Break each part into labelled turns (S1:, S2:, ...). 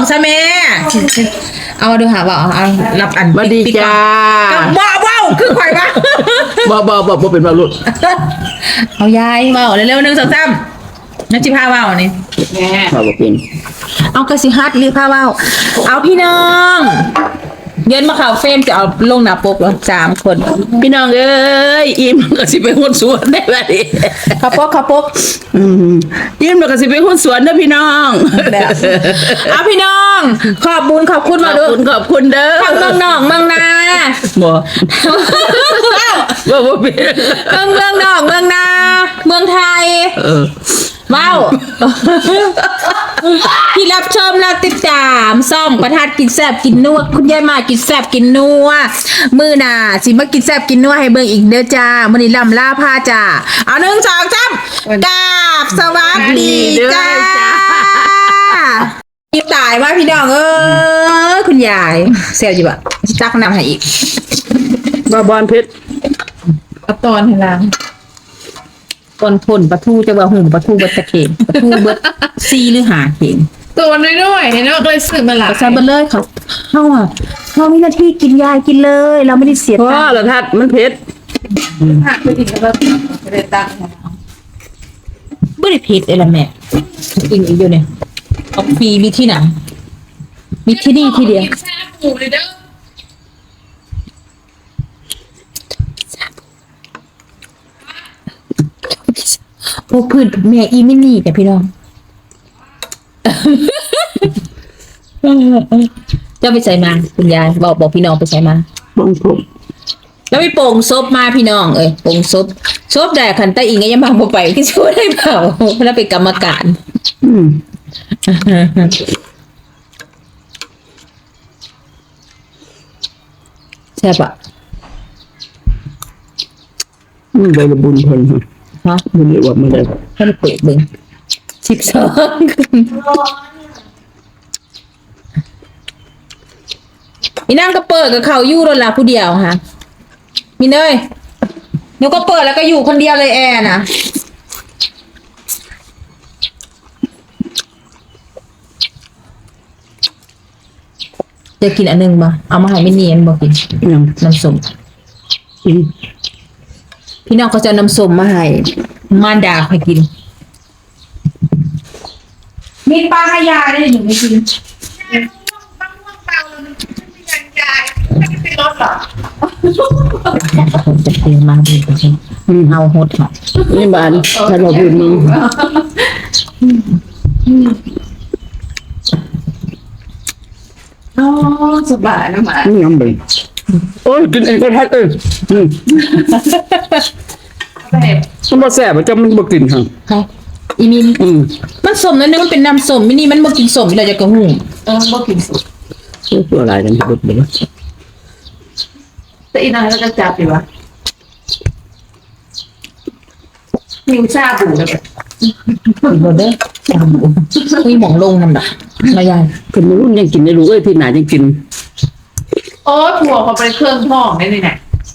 S1: ซะแม่เอาดูหาว่าเอารับอัน
S2: สวัสดีจ้า
S1: ว้าวคือข่อยปะ
S2: บ่เป็นว่าลุด
S1: เอายายว้าวเร็วๆ1 2 3นักจิพาว้าวนี่
S2: บ่เป็น
S1: เอากระสิฮัดรีบพาว้าวเอาพี่น้องเย็นมาข่าวเฟรมจะเอาลงหน้าปกแล้ว3 คน
S2: พี่น้องเอ้ยอิ่มก็สิไปหุ้นสวนได้บัดนี้
S1: ขับปก
S2: อิ่มก็สิไปหุ้นสวนเด้อพี่น้อง
S1: เอาพี่น้องขอบบุญขอบคุณ
S2: ข
S1: มา
S2: อบ
S1: ดู
S2: คุณเด้อ
S1: ทั้งเมืองนอกเมืองนา
S2: บ่เป็น
S1: ทั้งเมืองนอกเมืองนาเมืองไทยว้าวที่รับชมและติดตามซ่องประทัดกินแซ่บกินนัวคุณยายมากินแซ่บกินนัวมื้อหน้าสิมากินแซ่บกินนัวให้เบิ่งอีกเด้อจ้ามื้อนี้ลำลาพาจ้าเอา1 2 3กราบสวัสดีจ้าพี่ตายว่าพี่น้องคุณยายแซ่บอยู่บ่สิตักน้ำให้อีก
S2: บอนเพชร
S1: เอาตอนให้ล้างตอนพ่นปลาทูจะว่าหุ่มปลาทูเบิดตะเข็งปลาทูเบิด4 หรือ 5 เข็ง
S3: ตัวน้อยๆเห็นว่าเคยซื้อมาหลาย
S1: ใส่เบิดเลยเขาเฮามีหน้าที่กินยายกินเลย เราไม่ได้เสีย
S2: พ่อ
S1: ตังค์
S2: ละทัดมันเพชร
S3: หักไปถึงแล้วก็ได้ตังค์
S1: บ่ได้ผิดเลยล่ะแม่กินอีกอยู่เนี่ยเอาฟรีมีที่ไหนมีที่นี่ที่เดียว
S3: แซ่บหมูเลยเด้อ
S1: พวกพืชแม่อีไม่นี่แต่พี่น้องเจ้าไปใส่มาคุณยายบอกพี่น้องไปใส่มา
S2: บ้องผม
S1: แล้วไปโป่งซบมาพี่น้องโป่งซบได้คันใต้อิงก็ยังมาบ่ไปที่ช่วยได้เปล่าแล้วเป็นกรรมการใช่ปะ
S2: ได้ระบุญเพิ่น
S1: ฮะ
S2: มันเรียกว่ามันได้
S1: ให้มันเปิดเบิ่ง12มีนั่งก็เปิดกับเขาอยู่แล้วล่ะผู้เดียวฮะมีเนยหนูก็เปิดแล้วก็อยู่คนเดียวเลยแอร์นะจะกินอันนึงบ่เอามาให้ไม่เนียนบ่กิน
S2: ยัง
S1: น้ำส้ม
S2: กิน
S1: พี่น้องเขาจะเอาน้ำส้มมาให้มารดาให้กินมีปลาให้ยาได้หนูไม่กิน
S3: เป็นรถเหรอ
S1: ผมจะเตรียมมาดูกันเอาโหดค่ะ
S2: นี่บ้านถ้าเราพูดมึง
S3: อ๋อสบายนะหมา
S2: นี่ยังบ่โอ้ยกินเองก็ทัดมันบ่แซ่บจะมันบ่กินหั่น
S1: ค่ะอีมินมันสมนั่นนี่มันเป็นน้ำส้มมินี่มันบ่กินส้มเราจะกระหู
S3: บ่กินสุด
S2: ตัวอะไรกันบ่บ่
S3: แต่อีนางแล้วก็จับอยู่วะมิวชาบูแล้วแบบ
S1: อีกบ่เด้อจำบ่คุยหมองลงนำดอกมายาย
S2: คนนู้นยังกินได้รู้เอ้ยที่ไหนยังกิน
S3: โอ้ถั่วเขาไปเครื่องห้องได้เลยเนี่ย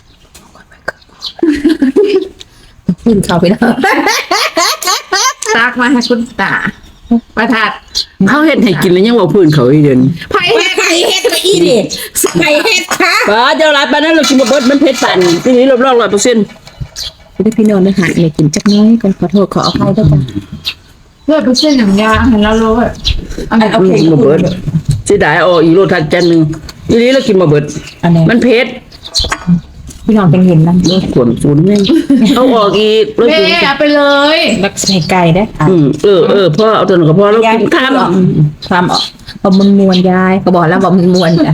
S1: ขึ้นเข้าไปแล้ว
S3: ตักมาให้คุณตาประทัด
S2: เขาเฮ็ดให้กินแล้วยังว่าพื้นเขาอีเดิน
S3: ไผ่
S1: ไข่เฮ็ดไปอีดิไข่เฮ็ดค่ะ
S2: ป้าเจ้าหลายปานนั้นเรากินบ่เบิดมันเผ็ดปานทีนี้รอบๆ100%
S1: ได้พี่น้องได้หาเนี่ยกินจักน้อยก่อนขอโทษขออภัยด้วยจ้ะ
S3: เลือดเป็นเส้นอย่างยาเห็นแล้วรู้แบบอันนี้เอาเผ็ด
S2: บ่เบิดสิได้เอาอีโลทัดจันนึงทีนี้เรากินบ่เบิด
S1: อันนี้
S2: มันเผ็ด
S1: พี่น้องจังเห็นนั่น
S2: ขวนศูนย์แม่งเอาออกอีกแล้ว
S3: แม่
S2: กิน
S3: เอาไปเลย
S1: รักใส่ไก่ได้ค่ะ
S2: พ่อเอาตัวนั้นก็พอแล้วกินข้าม
S1: ความออกบอกมึงมวนยายก็บอกแล้วบอกมึงมวนจ้ะ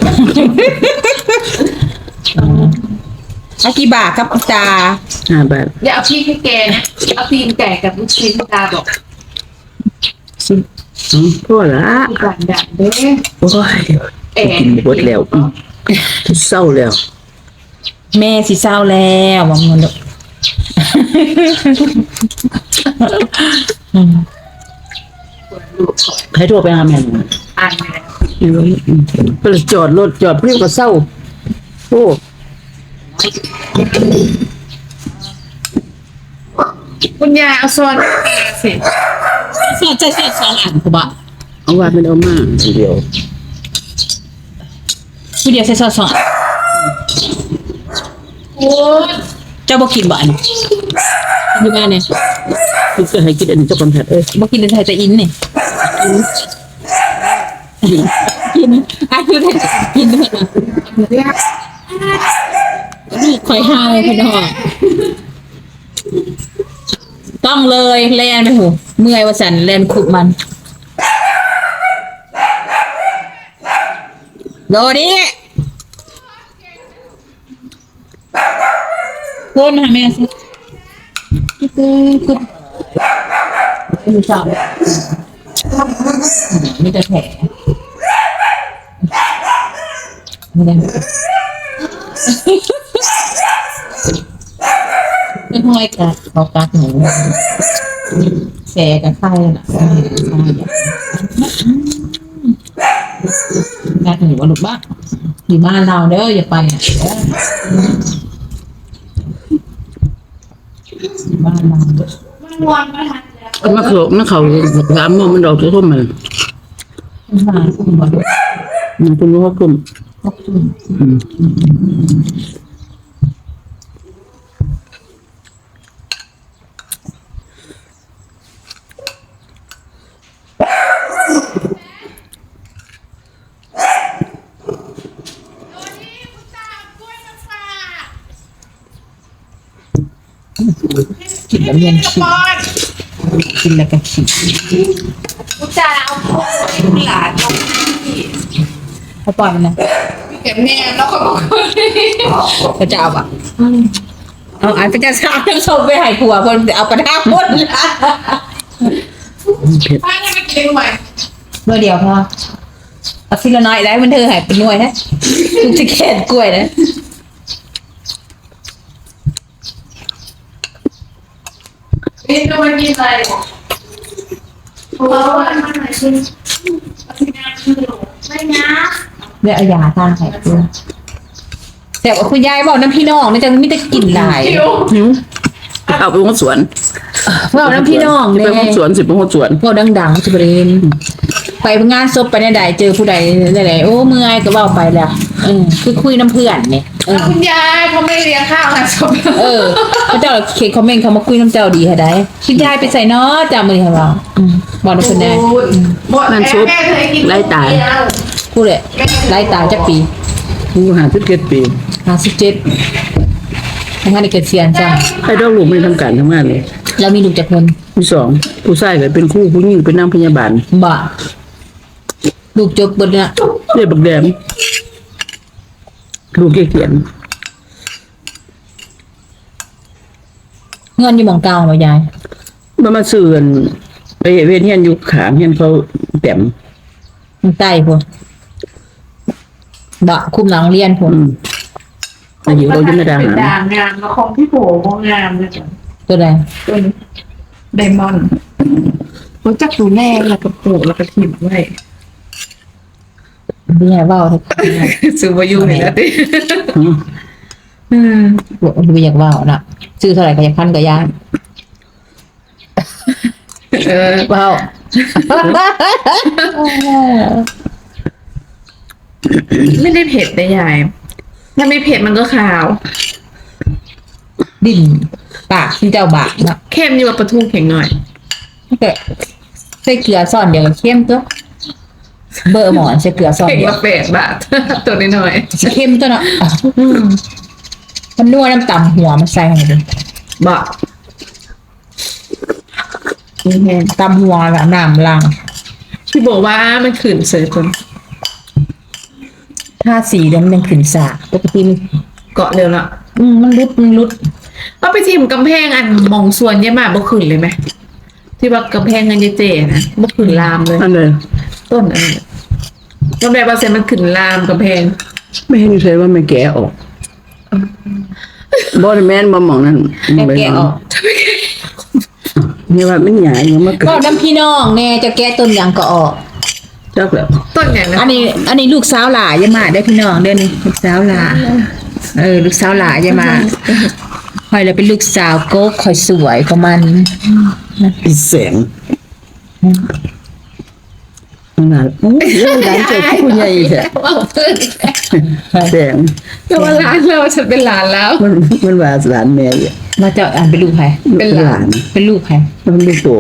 S1: อากี่บาทครับตา
S2: 5 บาท
S3: อย่าเอาพี่ให้แกนะเอาตีนไก่กับลูกชิ้นตาบอก
S2: พ่อละ
S3: ด่านด่านเด้
S2: โอ้ย
S3: แอน
S2: กินเบิดแล้วเศร้าแล้ว
S1: แม่สิเศร้าแล้วบอกมึงลูก
S2: ให้โทรไปหาแม่
S3: อ่านไปแล้ว
S2: ไปจอดรถจอดเพื่อนก็เศร้าโอ้
S3: คุณยายเอาซอนสิ
S1: ใช่2 อันกูบอก
S2: เอาว่าเป็นเอามาทีเดียว
S1: ผู้เดียวใส่ซอสโอ้เจ้าบ่กินบ่อันอยู่บ้านเนี่ย
S2: คือก็ให้กินอันนี้เจ้าคนแพทย์
S1: บ่กินแต่ไทยแต่อินนี่กินอันนี้แต่กินด้วยนะนี่คอยหาวพี่น้องต้องเลยแลนไปหูเมื่อยว่าสันแลนขุบมันโดดิคุณหาแม่สิคุณดูสาวมีแต่แผลไม่ได้ไม่ห้อยกัดเขากัดหนูแสกับไข่น่ะกัดหนูว่าลูกบ้าอยู่บ้านเราเด้ออย่าไปอ่ะบ้านเรา
S2: มาเขาสามโมงมันดอกจะทุ่มมัน
S1: มาคุณบอล
S2: มันเป็นว่าทุ่ม
S1: กินแล้วเรียนขี้กินแล้วก็ขี้
S3: กูจะเอาหลานลงที่
S1: เขาปล่อยมันนะ
S3: เก็บแม่แล้วก็บอก
S1: เขาจะเอาอ่ะเอาอันเป็นจะสร้างทั้งศพไปให้ผัวคนเอากระทะพ่นละ
S3: ป้าจะไปกินใหม่
S1: เมื่อเดียวพอเอาทีละน้อยได้มันเธอหายเป็นหน่วยนะทุกจะแค่กล้วยนะ
S3: กินก็ไม่กินอะไรเพราะว่ามันไหนกินไม่นะ
S1: เดี๋ยวเอายาทานให้ด้วยแต่ว่าคุณยายบอกน้ำพี่น้องนี่จะไม่ได้กินหลาย
S2: หิวเอาไปหัวสวน
S1: บอกน้ำพี่น้อง
S2: ไป
S1: เนี่ย
S2: หัวสวนสิไปหัวสวน
S1: พวกดังๆสุบรินไปงานศพไปในใดเจอผู้ใดไหนโอ้เมื่อยก็เว่าไปแล้วคือคุยน้ำเพื่อนเนี่ย
S3: คุณยายเขาไม่เลี้ยงข้าวค่ะศพ
S1: พระเจ้าเขียนคอมเมนต์เขามาคุยน้ำเจ้าดีค่ะได้คุณยายไปใส่เนาะจำมือค่ะเราบอกน้ำเพื่อนได้
S2: นั่นซุปไล่ตาย
S1: พูดเลยไล่ตายจักปี
S2: กูหา17 ปี
S1: 57ทั้งนั้นได้เกิดเสียนจ้ะ
S2: ให้ดอกลูกไม่ทำการทำงานเลย
S1: แล้วมีลูกจากคน
S2: ที่สองผู้ชายก็เป็นครูผู้หญิงเป็นนางพยาบาล
S1: บ่ลูกจบเบิดเนี่ย
S2: เรียกบักแดมลูกเขียน
S1: เงินอยู่หมองเก่าบ่ยาย
S2: มาซื้อกันไปเวียนเฮียนอยู่ขางเฮียนเขาแต้ม
S1: มันใต้พวกบ่คุมหลังเรียนพวก
S2: อายุเราอยู่ในดา
S3: เป็น
S2: หาร
S3: ด่างงามแล้วคงที่โผล่คงงามเลยจ้ะ
S1: ตัวใด
S3: เป็นไดมอนด์รู้จักดูแม่แล้วก็ปลูกแล้วก็ถิ่มไว้
S1: พี่ยายเว้าทุก
S3: ซื้อมาอยู่นี่แล้วดิ
S1: บอกว่าบ่อยากเว้าน่ะซื้อเท่าไหร่ก็อยากพันก็ยาย เว้า
S3: ไม่ได้เผ็ดแต่ยายถ้าไม่เผ็ดมันก็ขาว
S1: ดิ่นปากที่เจ้าบากเนาะ
S3: เค็มอยู่กับปลาทูเข็งหน่อย
S1: แต่ใส่เกลือซ่อนเดียวก็เข้มตัวเบอร์หมอนใส่เกลือซ่อน
S3: เข็ง
S1: เดียว
S3: ละ8 บาท ตัวน้อย
S1: สิเข้มตัวเนาะมันนัวน้ำต่ำหัวมันใส่ให้ดู
S3: ๆบะนี่แห้ง
S1: ต่ำหัวละน้ำล้าง
S3: ที่บอกว่ามันขืนเสือคน
S1: ถ้าสีเดี๋ยวมันยังขึ้นสากปกติมัน
S3: เกาะเร็วละ
S1: มันรุด
S3: เอาไปทิมกำแพงอันมองส่วนเยอะมากบ่ขืนเลยไหมที่ว่ากำแพงเงินเจๆนะบ่ขืนลามเลย
S2: อันเลย
S3: ต้นอันนี้กำแพงเปอร์เซ็นต์มันขืนลามกำแพง
S2: ไม่เห็นใช่ว่าไม่แก่ออกบอดแมนบ่หมองนั่น
S1: แกะออก
S2: นี่ว่ามันใหญ่ยังมาเกิ
S1: ก็
S2: ด
S1: น้ำพี่น้องแน่จะแกะต้นยังก็ออก
S2: จักแล้ว
S3: ต้นอย่างนั้
S1: อั
S3: น
S1: นนี้ลูกสาวหลาอย่ามาได้อพี่น้องเด้อนี่ลูกสาวหลาลูกสาวหลาอย่ามาคอยแล้วเป็นลูกสาวโก๊กคอยสวยกว่ามัน
S2: อีแสงมันน่ะโอ้ยเรื่องร้านเจ้าผู้ใหญ่แท้
S3: ว่าเพิ่น
S2: แสง
S3: ก็ว่าหลานเราฉันเป็นหลานแล้ว
S2: มันว่าหลานแม่เนี่ย
S1: มาเจ้าอ่านเป็นลูกใคร
S3: เป็นหลาน
S1: เป็นลูกใคร
S2: มันลูกโต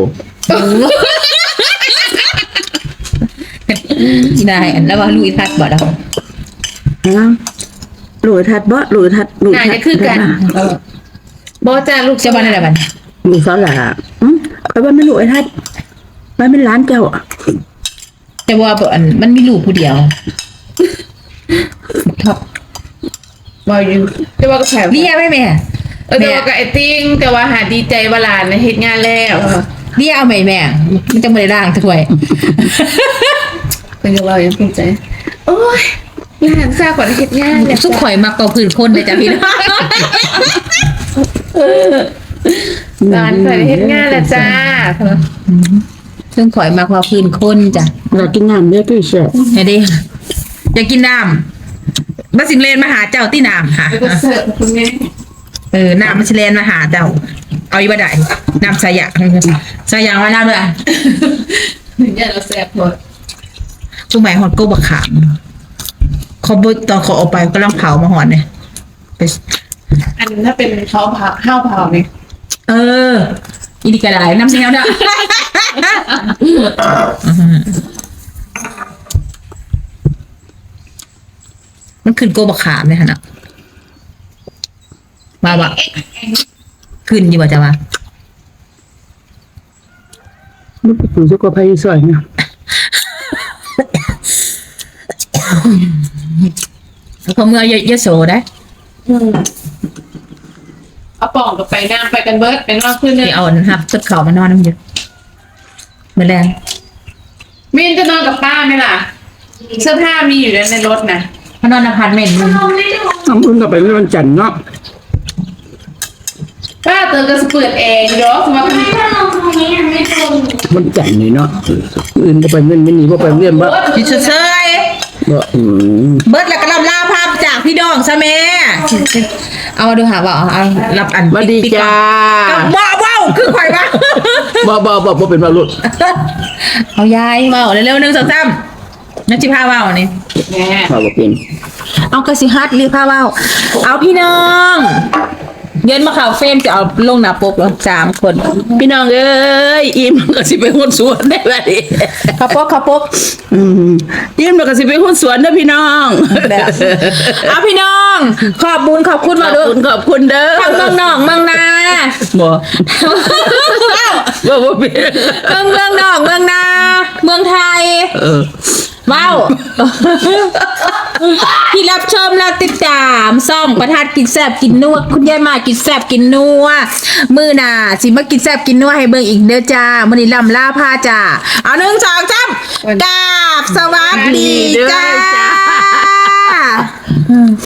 S1: ได้อันแล้วว่าลูกอีทัดบ่ดอก
S2: ฮะลูกทัดบ่ลูกทัดลูก
S3: น่า
S2: ทัด
S3: จะคือกันบ่จ้าลูก
S1: เจ้าบ้านอะไรบ้าน
S2: ลูกสาวหล่ะไปบ้านไม่ลูกไอ้ทัดบ้านเป็นหลานเจ้า
S1: แต่ว่าบ่อันมันมีลูกผู้เดียวท็อป
S3: บ่อยู่แต่ว่าก็แผล
S1: เรียไหมแม่
S3: แต่ว่าก็ไอ้ติ้งแต่ว่าหาดีใจว่าหลานน่ะเฮ็ดงานแล้ว
S1: เรียเอาไหมแม่ มันจะไม่ได้ร่างถ้วย
S3: เพิ่นก็ว่าอย่างภูมิใจโอ้ยหลานทราบก่อนเฮ็ดงานแล้ว
S1: สุขข่อยมากกว่าพื้นคนเลยจ้ะพี่น้อง
S3: หลานเคยเฮ็ดงานแล้วจ้า
S1: ซึ่งข่อยมากกว่าพื้นคนจ้ะ
S2: อยากกินน้ำเยอะพี่เชียว
S1: ไงดิอยากกินน้ำมาสิงเลนมาหาเจ้าที่น้ำค่ะ
S3: แล้วก็เสิร์ฟคุณแม่
S1: น้ำมาสิเลนมาหาเจ้า เอาอีกบ่ได้น้ำสายางมาน้ำเลย
S3: อย่าเราแซ่บหมด
S1: ช่วงใหม่หอดโก้บักขามเขาบตอนเขาเอาไปก็ลังเผามาหอดเนี่ยไป
S3: อันถ้าเป็นเขาเผาข้าวเผานี่
S1: อีดีกระไดน้ำเสียวเด้อ มันขึ้นโกบักขามเลยฮะนะว่าบะขึ้นอยู่ว่าจะว่า
S2: มันไปอยู่สุโขทัยซอยเนี่ย
S1: เขาเมื่อเยอะโสได้
S3: เอาป่องกับไปน้ำไปกันเบิร์ดเป็นว่าขึ้น
S1: ที่
S3: เนี่ย
S1: เอาหับต้นเขามานอนน้ำเยอะเหมือนแรง
S3: มินจะนอนกับป้าไหมล่ะ เสื้อผ้ามีอยู่ในรถนะ
S1: มานอนอพาร์ตเมนต์มึง
S2: น้ำพึ่งก็ไปเมื่อวันจันทร์เนาะ
S3: ป้าเติมกระสเปิดแอร์เยอะสมมติ
S2: วันจันทร์นี่เนาะอื่นก็ไปเมื่อไม่หนีก็ไปเรียนบ่
S1: พี่เซย
S2: บ่
S1: เบิร์ดแล้วก็รับลาภาพจากพี่ดองซะแม่เอามาดูหาว่าเอารับอัน
S2: สวัสดีจ้า
S1: ว้าวคือข่อยปะ
S2: บ่เป็นบ่รุ่น
S1: เอายายเมาเร็วๆ1 2 3นักจิพาเมานี่
S3: แม่
S2: บ่เป็น
S1: เอากระสิฮัดรีพาเมาเอาพี่น้องเย็นมาข่าวเฟรมจะเอาลงหน้าปกแล้ว3 คน
S2: พี่น้องเอ้ยอิ่มก็สิไปหุ้นสวนได้บัดนี้
S1: ข้าวปก
S2: อิ่มก็สิไปหุ้นสวนเด้อพี่น้อง
S1: แบบเอาพี่น้อง ขอบบุญขอบคุณ
S2: ข
S1: มา
S2: อบ
S1: ดู
S2: คุณขอบคุณเด้อ
S1: ทางเมืองนอกเมืองนา
S2: บ่บ่เป็น
S1: เมืองนอกเมืองนา เมืองไทย ว้าว ที่รับชมและติดตามซ่องประทัดกินแซบกินนัวคุณยายมากินแซบกินนัวมือหน่าสิมากินแซบกินนัวให้เบิ่งอีกเด้อจ้ามื้อนี้ลำลาพาจ้าเอา1 2 3กราบสวัสดีจ้า